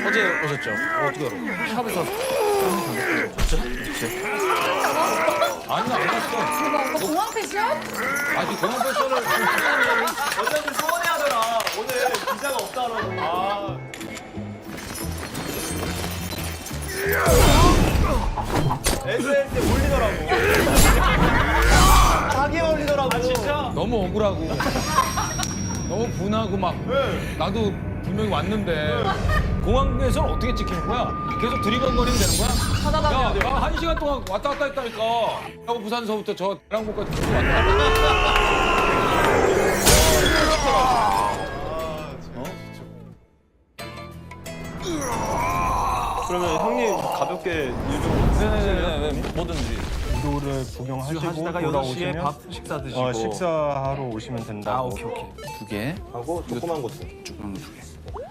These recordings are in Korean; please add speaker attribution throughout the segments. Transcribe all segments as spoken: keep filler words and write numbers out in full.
Speaker 1: 어제 오셨죠? 어, 어떻게 알아? 샵에서 진짜? 그치? 아니 안 갔어.
Speaker 2: 대박, 오빠 공항 패션?
Speaker 1: 아니 공항 패션을
Speaker 3: 원장님 서운해하더라. 오늘 기자가 없다라고. 아. 에스엔에스에 올리더라고. 자기 올리더라고. 아 진짜?
Speaker 1: 너무 억울하고 너무 분하고 막 나도 분명히 왔는데 공항에서는 어떻게 찍히는 거야? 계속 들이건거리면 되는 거야?
Speaker 2: 찾아다녀야 돼.
Speaker 1: 야, 나 한 시간 동안 왔다 갔다 했다니까. 하고 부산서부터 저 대랑목까지 계속 왔다 갔다
Speaker 3: 그러면 형님 가볍게 유종.
Speaker 1: 네네네 뭐든지.
Speaker 4: 우도를 구경하시고
Speaker 5: 하시다가 여섯 시에
Speaker 4: 돌아오시면
Speaker 5: 밥 식사 드시고.
Speaker 4: 어, 식사하러 오시면 된다고.
Speaker 5: 아 오케이 오케이. 두 개.
Speaker 3: 하고 조그만 것도.
Speaker 5: 조금 두 개.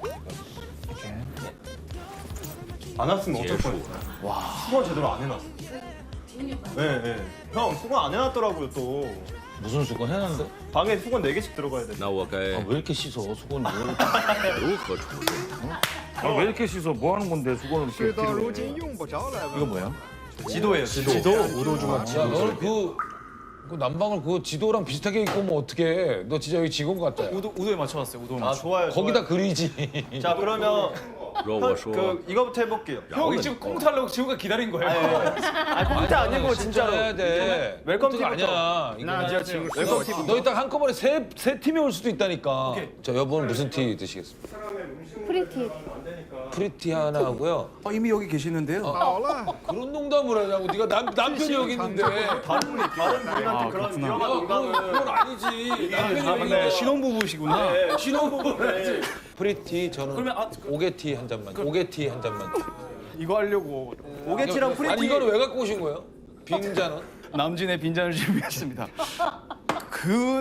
Speaker 3: 안 왔으면 어쩔 뻔했어. 와. 수건 제대로 안 해놨어. 네, 네. 형 수건 안 해놨더라고요 또.
Speaker 1: 무슨 수건 해놨는데?
Speaker 3: 방에 수건 네 개씩 들어가야 돼.
Speaker 6: 那我该
Speaker 1: 아, 왜 이렇게 씻어 수건을?
Speaker 6: 如何处理？
Speaker 1: 아, 왜 이렇게 씻어? 뭐 하는 건데 수건을 이렇게 필요해? 이거 뭐야?
Speaker 3: 지도예요 지도.
Speaker 4: 지도 우도 주먹
Speaker 1: 야,
Speaker 4: 지도.
Speaker 1: 너는 그, 그 난방을 그 지도랑 비슷하게 입고 오면 어떡해? 너 진짜 여기 직원 같다. 야.
Speaker 5: 우도 우도에 맞춰왔어요. 우도에
Speaker 3: 아
Speaker 5: 맞춰.
Speaker 3: 좋아요.
Speaker 1: 거기다
Speaker 3: 좋아요.
Speaker 1: 그리지.
Speaker 3: 자 그러면
Speaker 6: 如
Speaker 3: 형,
Speaker 6: 我说
Speaker 3: 그 이거부터 해볼게요.
Speaker 5: 형이 지금 꽁트 하려고 지금까지 기다린 거예요.
Speaker 3: 아 공짜 아니고 진짜로.
Speaker 1: 해야 돼.
Speaker 3: 웰컴
Speaker 1: 꽁트가
Speaker 3: 팀부터.
Speaker 1: 아니야. 이거
Speaker 3: 진짜 지금 웰컴 팀.
Speaker 1: 너 이따 한꺼번에 세, 세 팀이 올 수도 있다니까. 저 여보는 무슨 티 드시겠습니까?
Speaker 2: 프리티.
Speaker 1: 프리티 하나 하고요.
Speaker 5: 어, 이미 여기 계시는데요.
Speaker 1: 그런 농담을 하냐고. 네가 남, 남편이 여기 있는데. 야,
Speaker 3: 다른 분이 다른 분한테 그런 위험한
Speaker 1: 그건,
Speaker 3: 농담을.
Speaker 1: 그건 아니지. 남편이 여기
Speaker 3: 네.
Speaker 1: 있는데.
Speaker 5: 신혼부부시구나.
Speaker 1: 신혼부부를 프리티 저는
Speaker 5: 그러면 아,
Speaker 1: 오게티 한 잔만. 오게티 한 잔만.
Speaker 5: 이거 하려고
Speaker 3: 오게티랑 프리티.
Speaker 1: 아니 이거는 왜 갖고 오신 거예요? 빈잔은?
Speaker 5: 남진의 빈잔을 준비했습니다. 그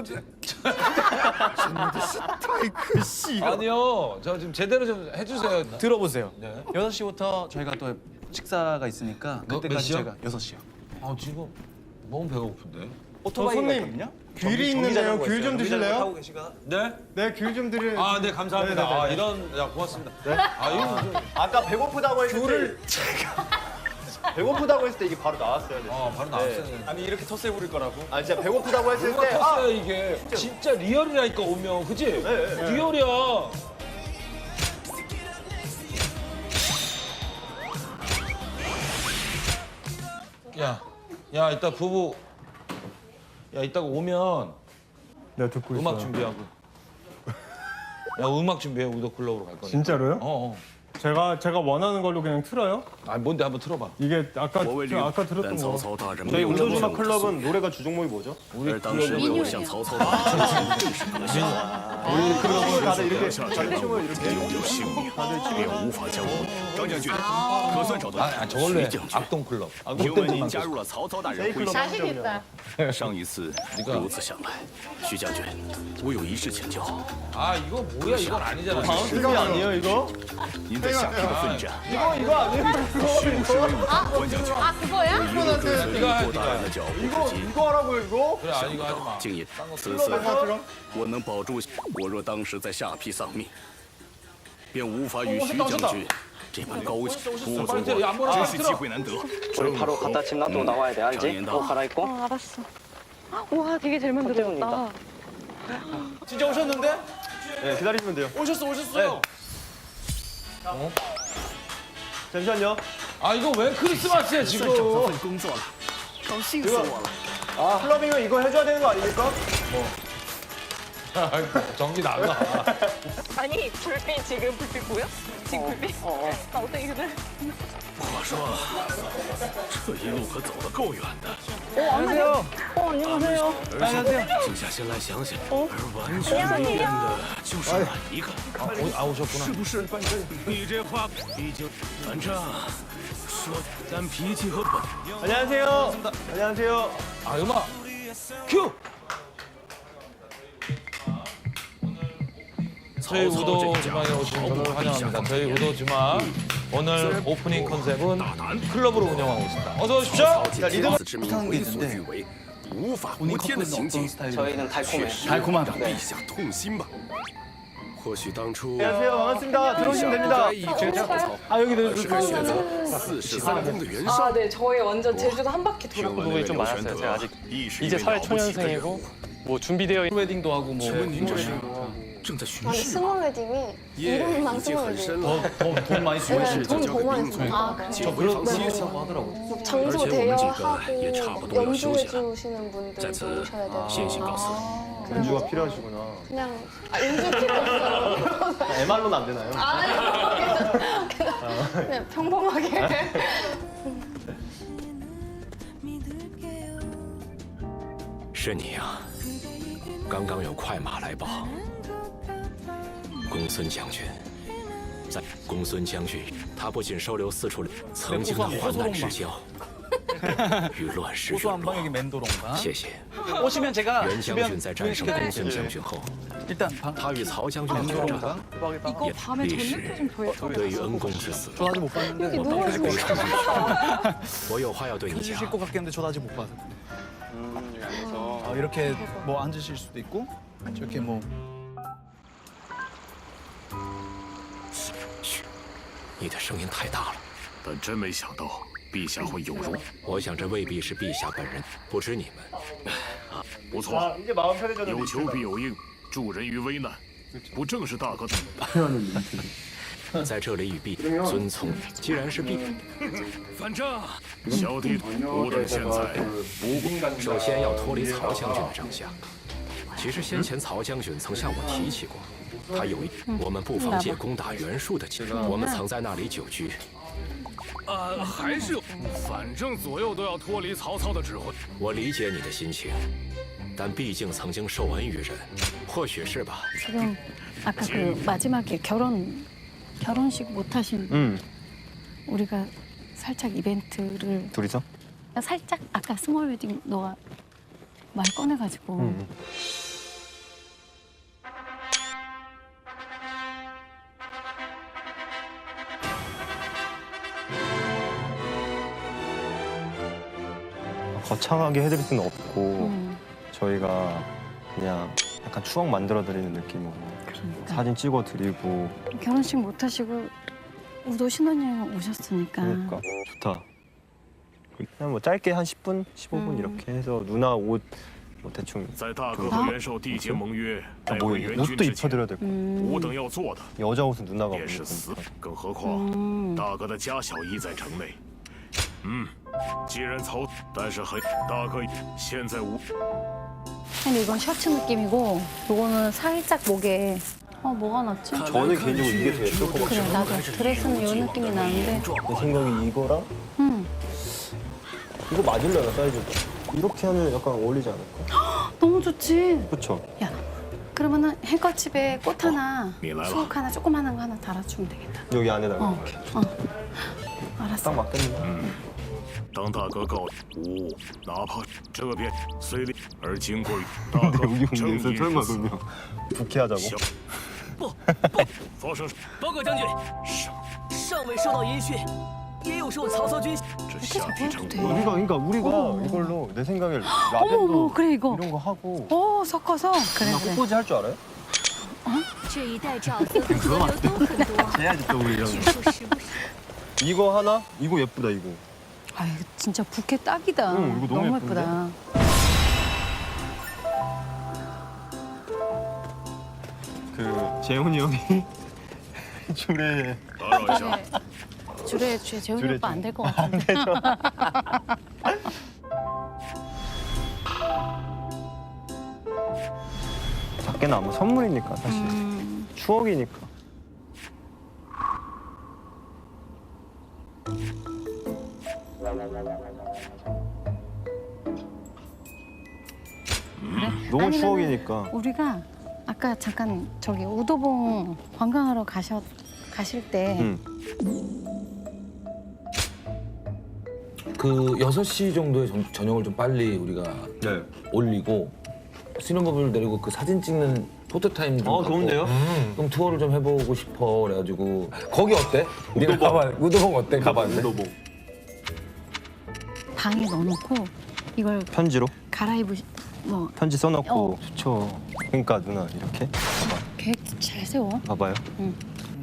Speaker 1: 아니요. 저 지금 제대로 좀 해주세요.
Speaker 5: 들어보세요.
Speaker 1: 네.
Speaker 5: 여섯 시부터 저희가 또 식사가 있으니까
Speaker 1: 몇
Speaker 5: 그때까지
Speaker 1: 시요?
Speaker 5: 제가 여섯 시요.
Speaker 1: 아 지금 너무 배고픈데.
Speaker 5: 오토바이가
Speaker 4: 손님.
Speaker 5: 있거든요.
Speaker 4: 귤이 있는데요. 귤 좀 드실래요?
Speaker 1: 네?
Speaker 4: 네, 귤 좀 드릴.
Speaker 1: 아, 네 감사합니다.
Speaker 4: 네네네.
Speaker 1: 아, 이런, 야 고맙습니다. 아, 이거 좀,
Speaker 3: 아까 배고프다고 했을 귤을 배고프다고 했을 때 이게 바로 나왔어야 돼.
Speaker 1: 어, 바로 나왔어요.
Speaker 5: 아니 이렇게 텃세 부릴 거라고?
Speaker 3: 아 진짜 배고프다고 했을
Speaker 1: 누가
Speaker 3: 때 아,
Speaker 1: 컸어요 이게? 진짜 리얼이라니까 오면, 그지?
Speaker 3: 네.
Speaker 1: 리얼이야. 야, 야 이따 부부, 야 이따가 오면
Speaker 4: 네, 듣고 있어요.
Speaker 1: 음악 준비하고. 야 음악 준비해 우도 클럽으로 갈 거니까.
Speaker 4: 진짜로요?
Speaker 1: 어, 어.
Speaker 4: 제가 제가 원하는 걸로 그냥 틀어요?
Speaker 1: 아 뭔데 한번 틀어봐.
Speaker 4: 이게 아까
Speaker 6: 我为
Speaker 4: 저
Speaker 6: 刘
Speaker 4: 아까
Speaker 6: 但
Speaker 4: 들었던
Speaker 6: 曹
Speaker 4: 거.
Speaker 6: 操大人
Speaker 3: 저희
Speaker 6: 没有这么
Speaker 3: 운동주막
Speaker 6: 用
Speaker 3: 클럽은 노래가 주종 목이 뭐죠?
Speaker 6: 而当时为了向曹操大人进行正式革新，
Speaker 3: 클럽은 다들 이렇게
Speaker 6: 下战争有幸运，便无法将我。张将军，可算找到
Speaker 1: 아, 아 저걸로 해.
Speaker 6: 徐将军。
Speaker 1: 악동 클럽.
Speaker 6: 听闻您加入了曹操大人麾下，
Speaker 2: 자신 있다.
Speaker 6: 上一次如此想来，徐将军，我有一事请教。
Speaker 1: 아 이거 뭐야 이건 아니잖아.
Speaker 3: 방송이 아니에요 이거?
Speaker 6: 您在下邳的奋战，
Speaker 3: 이거 이거 아니에요?
Speaker 6: 是不是为我关将军？
Speaker 2: 아, 그거야?
Speaker 6: 一路跟随吕布大人的脚步
Speaker 3: 이거
Speaker 6: 不及，
Speaker 3: 이거 하라고요 이거?
Speaker 1: 그래 아
Speaker 6: 想
Speaker 1: 이거
Speaker 6: 不
Speaker 1: 하지
Speaker 6: 到
Speaker 1: 마.
Speaker 6: 竟也此次我能保住。我若当时在下邳丧命，便无法与徐将军这般高级不足
Speaker 1: 这样不能
Speaker 6: 真是机会难得。
Speaker 7: 우리 바로 갖다 집 놔두고 나와야 돼, 알지?
Speaker 6: 장인다.
Speaker 7: 옷 갈아입고.
Speaker 2: 어, 알았어. 와, 되게 잘 만들었다.
Speaker 3: 진짜 오셨는데? 네 기다리시면 돼요.
Speaker 5: 오셨어 오셨어요.
Speaker 3: 잠시만요.
Speaker 1: 아 이거 왜 크리스마스야 지금?
Speaker 6: 工作了，高兴死我了。
Speaker 3: 아 클럽이면 이거 해줘야 되는 거 아닙니까?
Speaker 1: 전기 나가.
Speaker 8: 아니 불빛 지금 불빛 보여? 지금 불빛? 나 어떻게 그래?
Speaker 6: 我说，这一路可走得够远的，
Speaker 3: 안녕하세요.
Speaker 8: 어 안녕하세요.
Speaker 6: 静下心来想想，而完全没变的就是哪一个？
Speaker 1: 아, 오, 아 오셨구나.
Speaker 6: 是不是？你这话已经，反正说咱脾气和本。
Speaker 3: 안녕하세요. 안녕하세요.
Speaker 1: 아 음악 큐. 저희 우도 주막에 오신 분을 환영합니다. 저희 우도 주막 오늘 오프닝 컨셉은 클럽으로 운영하고 있습니다. 어서 오십시오.
Speaker 6: 借天子之名为所欲为，无法无天的行径，
Speaker 7: 저희는 달콤해.
Speaker 5: 달콤하다.
Speaker 6: 陛下痛心吧。 或许当初
Speaker 3: 안녕하세요. 반갑습니다. 들어오시면 됩니다.
Speaker 1: 아 여기
Speaker 6: 而是该选择四世三公的元少。
Speaker 8: 아, 네. 저희 완전 제주도 한 바퀴
Speaker 6: 听
Speaker 8: 돌았고.
Speaker 6: 闻那位刘玄德亦是一
Speaker 9: 이제
Speaker 6: 位
Speaker 9: 사회
Speaker 6: 了不起的人
Speaker 9: 초년생이고
Speaker 6: 物。
Speaker 9: 뭐 준비되어 있-
Speaker 1: 웨딩도 하고 뭐
Speaker 6: 请问您这是正在巡
Speaker 2: 아니
Speaker 6: 视？
Speaker 2: 스몰 웨딩이
Speaker 6: 夜
Speaker 2: 이름만
Speaker 6: 已经
Speaker 2: 스몰
Speaker 6: 很
Speaker 2: 웨딩.
Speaker 6: 深了，
Speaker 1: 돈 많이 쓰고
Speaker 6: 婚事就
Speaker 2: 돈
Speaker 6: 交给
Speaker 2: 더 많이
Speaker 6: 兵
Speaker 2: 쓰고.
Speaker 6: 卒，
Speaker 2: 아 그래요?
Speaker 6: 请回
Speaker 1: 그런
Speaker 6: 房
Speaker 1: 거
Speaker 6: 歇
Speaker 1: 하고 하더라고.
Speaker 2: 장소
Speaker 6: 而且我们几个也差
Speaker 2: 대여하고
Speaker 6: 不多要休息了。
Speaker 2: 연주해주시는 분들도
Speaker 6: 在此
Speaker 2: 오셔야 되고.
Speaker 6: 先行告辞。
Speaker 3: 연주가 필요하시구나.
Speaker 2: 그냥 아, 연주 필요 없어요.
Speaker 3: 엠알로는 안 되나요?
Speaker 2: 아니 그냥 평범하게.
Speaker 6: 是你啊！刚刚有快马来报，公孙将军在。公孙将军，他不仅收留四处曾经的患难之交，与乱世
Speaker 5: 고소
Speaker 6: 陨落
Speaker 5: 한방역이 멘도롱가.
Speaker 6: 谢谢。
Speaker 5: 오시면 제가
Speaker 6: 袁将
Speaker 5: 주변
Speaker 6: 军在战胜公孙将军后，
Speaker 5: 일단 방
Speaker 6: 他与曹将军的决战
Speaker 5: 멘도롱가.
Speaker 2: 이거 밤에
Speaker 6: 历
Speaker 2: 전력도
Speaker 6: 史
Speaker 2: 좀 보여줘.
Speaker 6: 对于恩公之死，
Speaker 5: 저 아직 못 봤는데.
Speaker 2: 여기
Speaker 6: 我
Speaker 2: 누워
Speaker 6: 表示
Speaker 2: 있어.
Speaker 6: 悲伤。我有话要对你
Speaker 5: 해주실
Speaker 6: 讲。
Speaker 5: 것 같겠는데 저도 아직 못 봐서. 아, 이렇게 뭐 앉으실 수도 있고 저렇게 뭐
Speaker 6: 嘘，你的声音太大了。
Speaker 10: 但真没想到陛下会有容。
Speaker 6: 我想这未必是陛下本人，不知你们。
Speaker 10: 不错，
Speaker 3: 아, 이제 마음 편해졌는데.
Speaker 10: 有求必有应，助人于危难，不正是大哥的？
Speaker 6: 在这里与陛遵从。既然是陛，
Speaker 10: 反正小弟吾等现在不过
Speaker 6: 首先要脱离曹将军的帐下。其实先前曹将军曾向我提起过，他有一我们不妨借攻打袁术的机会。我们曾在那里久居。
Speaker 10: 呃，还是有，反正左右都要脱离曹操的指挥。
Speaker 6: 我理解你的心情，但毕竟曾经受恩于人，或许是吧。
Speaker 2: 지금 아까 그 마지막에 결혼 결혼식 못 하신
Speaker 3: 응.
Speaker 2: 우리가 살짝 이벤트를
Speaker 3: 둘이서?
Speaker 2: 살짝 아까 스몰 웨딩 너가 말 꺼내가지고
Speaker 3: 응. 거창하게 해드릴 수는 없고
Speaker 2: 음,
Speaker 3: 저희가 그냥 약간 추억 만들어드리는 느낌으로
Speaker 2: 그러니까
Speaker 3: 사진 찍어드리고.
Speaker 2: 결혼식 못 하시고 우도 신혼여행 오셨으니까
Speaker 3: 그러니까 좋다. 그냥 뭐 짧게 한 십 분, 십오 분
Speaker 2: 음.
Speaker 3: 이렇게 해서 누나 옷 뭐 대충
Speaker 10: 在大哥和袁绍缔结盟约，
Speaker 3: 아,
Speaker 10: 待
Speaker 3: 뭐
Speaker 10: 会援军
Speaker 3: 옷도
Speaker 10: 之前，
Speaker 3: 입혀드려야 될 거.
Speaker 10: 吾
Speaker 2: 음,
Speaker 10: 等要做的
Speaker 3: 여자 옷은 누나가
Speaker 10: 也是
Speaker 3: 입는
Speaker 10: 死
Speaker 3: 거니까. ，
Speaker 10: 更何况
Speaker 2: 음.
Speaker 10: 大哥的家小亦在城内。嗯，既然曹，但是很大哥现在无
Speaker 2: 근데 이건 셔츠 느낌이고 이거는 살짝 목에 어 뭐가 낫지?
Speaker 3: 저는 개인적으로 이게 더 예쁠 것 같아요.
Speaker 2: 그래 나도 드레스는 이 느낌이 나는데
Speaker 3: 내 생각에 이거랑
Speaker 2: 음,
Speaker 3: 이거 맞을려나 사이즈가. 이렇게 하면 약간 어울리지 않을까?
Speaker 2: 너무 좋지?
Speaker 3: 그쵸?
Speaker 2: 야 그러면은 행커집에 꽃 하나
Speaker 10: 미나라.
Speaker 2: 수국 하나 조그마한 거 하나 달아주면 되겠다
Speaker 3: 여기 안에다가
Speaker 2: 어,
Speaker 3: 이렇게.
Speaker 2: 어. 알았어
Speaker 3: 딱 맞겠네.
Speaker 10: 当大哥告吾，哪怕这边虽烈，而经过与大哥
Speaker 3: 여기
Speaker 10: 正
Speaker 3: 오면서
Speaker 10: 义
Speaker 3: 설마
Speaker 10: 之死，
Speaker 3: 그러면 부케하자고?
Speaker 10: 小
Speaker 6: 不
Speaker 10: 不，发生
Speaker 6: 报告将军，尚未收到音讯，也有受曹操军。
Speaker 10: 这下邳城
Speaker 2: 돼.
Speaker 3: 우리가 그러니까 우리가
Speaker 2: 어머.
Speaker 3: 이걸로 내 생각에
Speaker 2: 어머
Speaker 3: 라벤더
Speaker 2: 그래 이거
Speaker 3: 이런 거 하고
Speaker 2: 오 섞어서 그래
Speaker 3: 나
Speaker 2: 그래
Speaker 3: 꽃꽂이 할 줄 알아요?
Speaker 11: 这一带沼泽和河流都很多，
Speaker 3: 해야지 또 우리 이런
Speaker 11: 据
Speaker 3: 거.
Speaker 11: 说时不时
Speaker 3: 이거 하나? 이거 예쁘다 이거.
Speaker 2: 아 이거 진짜 부케 딱이다
Speaker 3: 응, 이거 너무 예쁜데?
Speaker 2: 예쁘다
Speaker 3: 그 재훈이 형이 줄에
Speaker 10: 打扰一下，
Speaker 2: 줄에 제 재훈이
Speaker 3: 줄에
Speaker 2: 오빠 안
Speaker 3: 좀-
Speaker 2: 될 것 같은데
Speaker 3: 작게는 아무 선물이니까 사실
Speaker 2: 음,
Speaker 3: 추억이니까. 너무
Speaker 2: 아니면은
Speaker 3: 추억이니까.
Speaker 2: 우리가 아까 잠깐 저기 우도봉 관광하러 가셨 가실 때
Speaker 3: 응.
Speaker 1: 그 여섯 시 정도에 전, 저녁을 좀 빨리 우리가
Speaker 3: 네.
Speaker 1: 올리고 신혼부부를 데리고 그 사진 찍는 포토타임 좀
Speaker 3: 어,
Speaker 1: 갖고
Speaker 3: 좋은데요?
Speaker 1: 그럼 투어를 좀 해보고 싶어 그래가지고 거기 어때? 네가 가봐 우도봉 어때? 가봤는데?
Speaker 3: 우도봉.
Speaker 2: 방에 넣어놓고 이걸
Speaker 3: 편지로?
Speaker 2: 갈아입으 뭐
Speaker 3: 편지 써놓고
Speaker 2: 어.
Speaker 3: 좋죠. 그러니까 누나 이렇게 봐봐.
Speaker 2: 계획 잘 세워.
Speaker 3: 봐봐요.
Speaker 2: 응.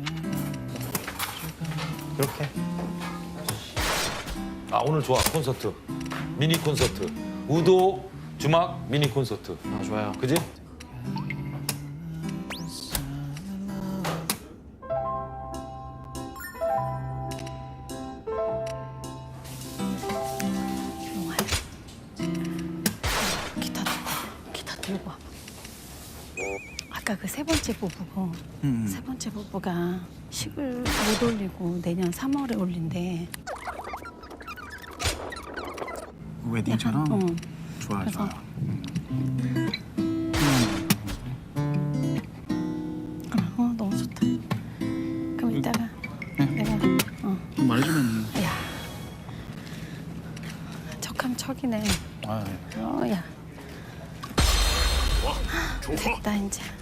Speaker 3: 이렇게.
Speaker 1: 아 오늘 좋아 콘서트 미니 콘서트 우도 주막 미니 콘서트.
Speaker 5: 아 좋아요.
Speaker 1: 그지?
Speaker 2: 기타 들고 와. 기타 들고 와. 아까 그 세 번째 부부고
Speaker 5: 음.
Speaker 2: 세 번째 부부가 식을 못 올리고 내년 삼월에 올린대.
Speaker 5: 웨딩처럼.
Speaker 2: 약간, 어.
Speaker 5: 좋아
Speaker 2: 그래서
Speaker 5: 좋아.
Speaker 2: 어 너무 좋다. 그럼 이따가 내가 어.
Speaker 5: 말해주면.
Speaker 2: 야 척하면 척이네.
Speaker 5: 아,
Speaker 2: 어 야.
Speaker 10: 出发。
Speaker 2: 됐다 이제.